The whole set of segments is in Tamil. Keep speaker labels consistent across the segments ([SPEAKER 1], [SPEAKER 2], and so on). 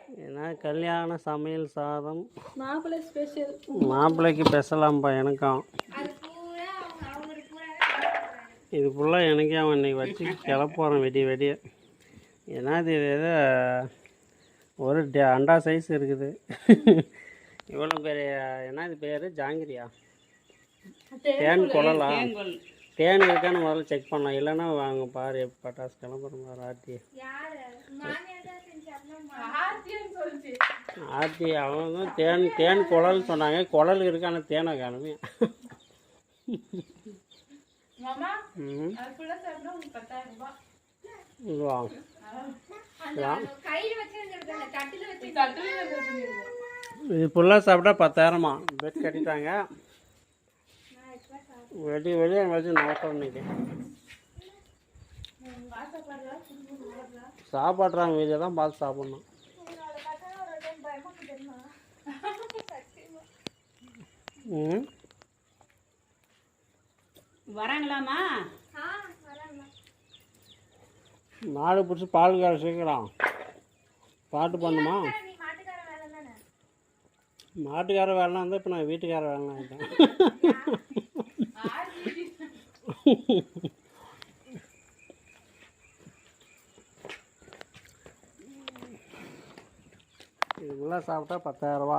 [SPEAKER 1] ஏன்னா கல்யாண சமையல் சாதம்
[SPEAKER 2] மாப்பிள்ளை ஸ்பெஷல்.
[SPEAKER 1] மாப்பிள்ளைக்கு பெசலாம்ப்பா எனக்கும். இது ஃபுல்லாக எனக்கே அவன் இன்றைக்கி வச்சு கிளப்போகிறேன் வெடிய. ஏன்னா இது ஏதோ ஒரு அண்டா சைஸ் இருக்குது. இவ்வளோ பெரிய என்ன இது பேர் ஜாங்கிரியா? தேன் குழலா? தேன் இருக்கான்னு முதல்ல செக் பண்ணலாம். இல்லைன்னா வாங்க பாரு பட்டாசு கிளம்புறோம் பாரு. ஆர்த்தி அவங்க தேன் குழல்னு சொன்னாங்க. குழல் இருக்கு, ஆனால் தேனை காணுமே. இது ஃபுல்லாக சாப்பிட்டா 10,000மா. பெட் கட்டிட்டாங்க. வெளியே வச்சு நோக்கம் இன்னைக்கு சாப்பாடுறாங்க. வீதியை தான் பார்த்து சாப்பிட்ணும்.
[SPEAKER 2] வராங்களாமா?
[SPEAKER 1] மாடு பிடிச்சி பால் கார சீக்கிரம் பாட்டு பண்ணுமா? மாட்டுக்கார வேலைலாம் இருந்தால் இப்போ நான் வீட்டுக்கார வேலைலாம் ஆகிட்டேன். இதுக்கெல்லாம் சாப்பிட்டா 10,000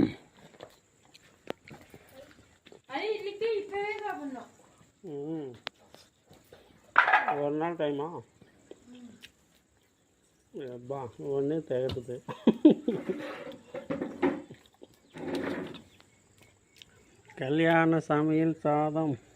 [SPEAKER 1] ஒரு நாள் டைமா? எப்பா ஒன்றே திகட்டுது. கல்யாண சமையல் சாதம்